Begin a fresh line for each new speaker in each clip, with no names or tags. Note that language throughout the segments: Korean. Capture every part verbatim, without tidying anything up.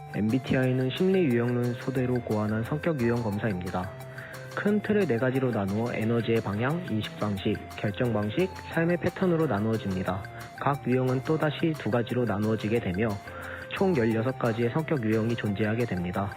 엠비티아이는 심리 유형론 소대로 고안한 성격 유형 검사입니다. 큰 틀을 네 가지로 나누어 에너지의 방향, 인식 방식, 결정 방식, 삶의 패턴으로 나누어집니다. 각 유형은 또다시 두 가지로 나누어지게 되며 총 열여섯 가지의 성격 유형이 존재하게 됩니다.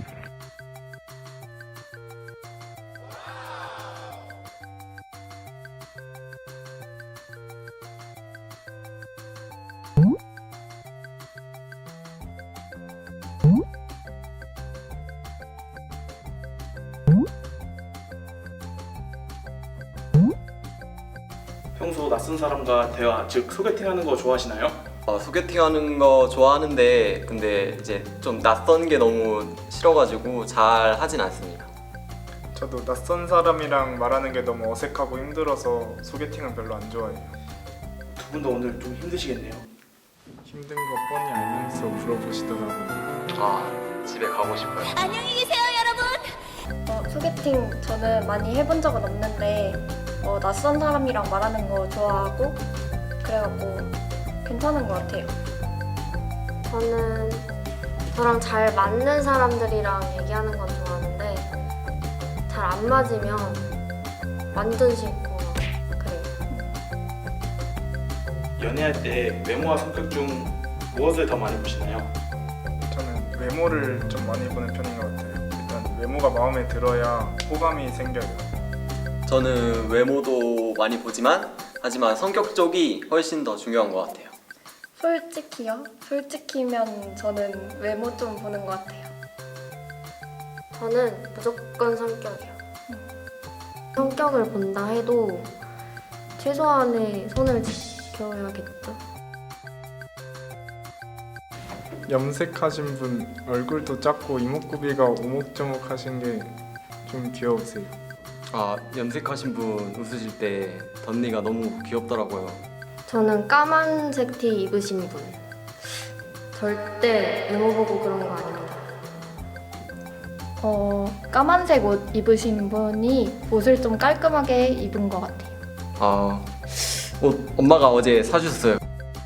평소 낯선 사람과 대화, 즉 소개팅하는 거 좋아하시나요?
어, 소개팅하는 거 좋아하는데 근데 이제 좀 낯선 게 너무 싫어가지고 잘 하진 않습니다.
저도 낯선 사람이랑 말하는 게 너무 어색하고 힘들어서 소개팅은 별로 안 좋아해요.
두 분 다 오늘 좀 힘드시겠네요.
힘든 거 뻔히 알면서 물어보시더라고요.
아, 집에 가고 싶어요.
안녕히 계세요, 여러분.
어, 소개팅 저는 많이 해본 적은 없는데 어, 낯선 사람이랑 말하는 거 좋아하고 그래갖고 괜찮은 것 같아요.
저는 저랑 잘 맞는 사람들이랑 얘기하는 건 좋아하는데 잘 안 맞으면 완전 싫고 그래요.
연애할 때 외모와 성격 중 무엇을 더 많이 보시나요?
저는 외모를 좀 많이 보는 편인 것 같아요. 일단 외모가 마음에 들어야 호감이 생겨요.
저는 외모도 많이 보지만 하지만 성격 쪽이 훨씬 더 중요한 것 같아요.
솔직히요? 솔직히면 저는 외모 좀 보는 것 같아요.
저는 무조건 성격이요. 성격을 본다 해도 최소한의 선을 지켜야겠죠.
염색하신 분 얼굴도 작고 이목구비가 오목조목하신 게 좀 귀여우세요.
아, 염색하신 분 웃으실 때 덧니가 너무 귀엽더라고요.
저는 까만색 티 입으신 분 절대 외모 보고 그런 거 아닙니다.
어, 까만색 옷 입으신 분이 옷을 좀 깔끔하게 입은 것 같아요.
아, 옷 엄마가 어제 사주셨어요.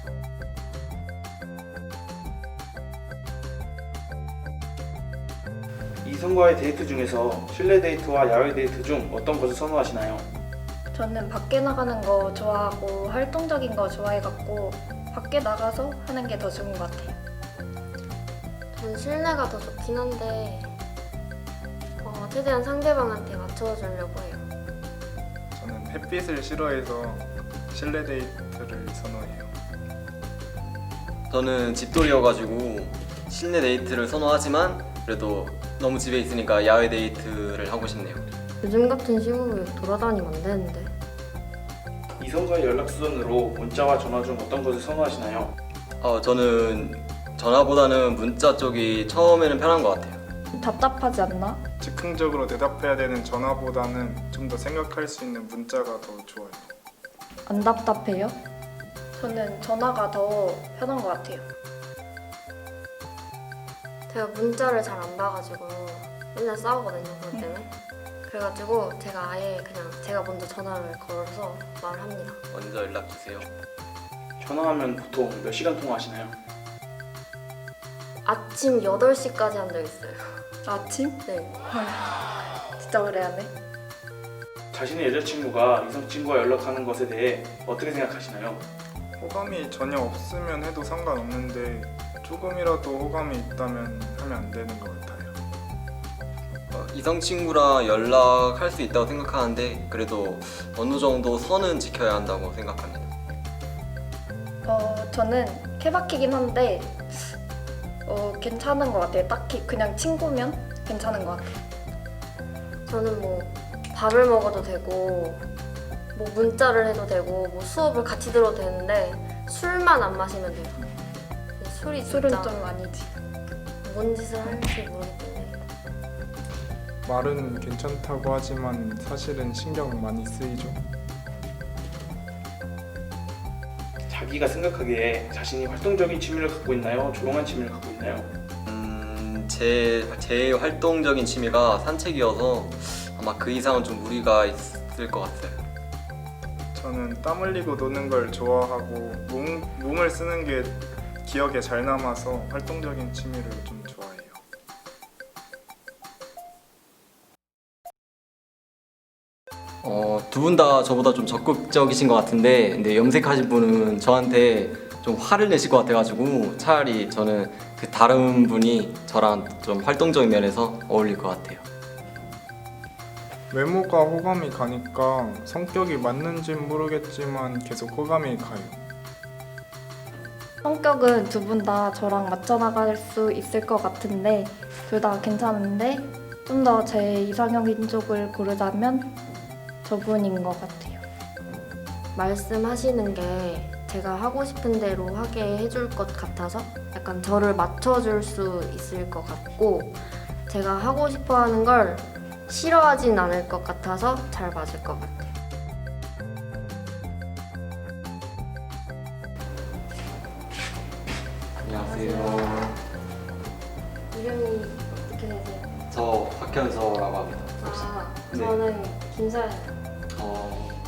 이성과의 데이트 중에서 실내 데이트와 야외 데이트 중 어떤 것을 선호하시나요?
저는 밖에 나가는 거 좋아하고 활동적인 거 좋아해갖고 밖에 나가서 하는 게 더 좋은 것 같아요.
전 실내가 더 좋긴 한데 어, 최대한 상대방한테 맞춰주려고 해요.
저는 햇빛을 싫어해서 실내 데이트를 선호해요.
저는 집돌이여가지고 실내 데이트를 선호하지만 그래도 너무 집에 있으니까 야외 데이트를 하고 싶네요.
요즘 같은 시국에 돌아다니면 안 되는데.
이성과의 연락수단으로 문자와 전화 중 어떤 것을 선호하시나요?
어, 저는 전화보다는 문자 쪽이 처음에는 편한 것 같아요.
답답하지 않나?
즉흥적으로 대답해야 되는 전화보다는 좀 더 생각할 수 있는 문자가 더 좋아요.
안 답답해요? 저는 전화가 더 편한 것 같아요.
제가 문자를 잘 안 봐가지고 맨날 싸우거든요, 그것 때문에. 그래가지고 제가 아예 그냥 제가 먼저 전화를 걸어서 말을 합니다.
먼저 연락 주세요.
전화하면 보통 몇 시간 통화하시나요?
아침 여덟 시까지 한 적 있어요.
아침?
네.
진짜 오래 하네.
자신의 여자친구가 이성친구와 연락하는 것에 대해 어떻게 생각하시나요?
호감이 전혀 없으면 해도 상관없는데 조금이라도 호감이 있다면 하면 안 되는 것 같아요.
어, 이성 친구랑 연락할 수 있다고 생각하는데 그래도 어느 정도 선은 지켜야 한다고 생각합니다.
어, 저는 케바키긴 한데 어, 괜찮은 것 같아요. 딱히 그냥 친구면 괜찮은 것 같아요.
저는 뭐 밥을 먹어도 되고 뭐 문자를 해도 되고 뭐 수업을 같이 들어도 되는데 술만 안 마시면 돼요. 술이
술은
진짜
좀 아니지.
뭔 짓을 할지 모르기 때문에.
말은 괜찮다고 하지만 사실은 신경 많이 쓰이죠.
자기가 생각하기에 자신이 활동적인 취미를 갖고 있나요? 조용한 취미를 갖고 있나요?
음, 제, 제 활동적인 취미가 산책이어서 아마 그 이상은 좀 무리가 있을 것 같아요.
저는 땀 흘리고 노는 걸 좋아하고 몸, 몸을 쓰는 게 기억에 잘 남아서 활동적인 취미를 좀 좋아해요.
어, 두 분 다 저보다 좀 적극적이신 것 같은데 근데 염색하신 분은 저한테 좀 화를 내실 것 같아가지고 차라리 저는 그 다른 분이 저랑 좀 활동적인 면에서 어울릴 것 같아요.
외모가 호감이 가니까 성격이 맞는진 모르겠지만 계속 호감이 가요.
성격은 두 분 다 저랑 맞춰 나갈 수 있을 것 같은데 둘 다 괜찮은데 좀 더 제 이상형인 쪽을 고르자면 저분인 것 같아요.
말씀하시는 게 제가 하고 싶은 대로 하게 해줄 것 같아서 약간 저를 맞춰줄 수 있을 것 같고 제가 하고 싶어 하는 걸 싫어하진 않을 것 같아서 잘 맞을 것 같아요.
안녕하세요.
이름이 어떻게 되세요?
저 박현서라고 합니다.
아,
네.
저는 김서연.
어,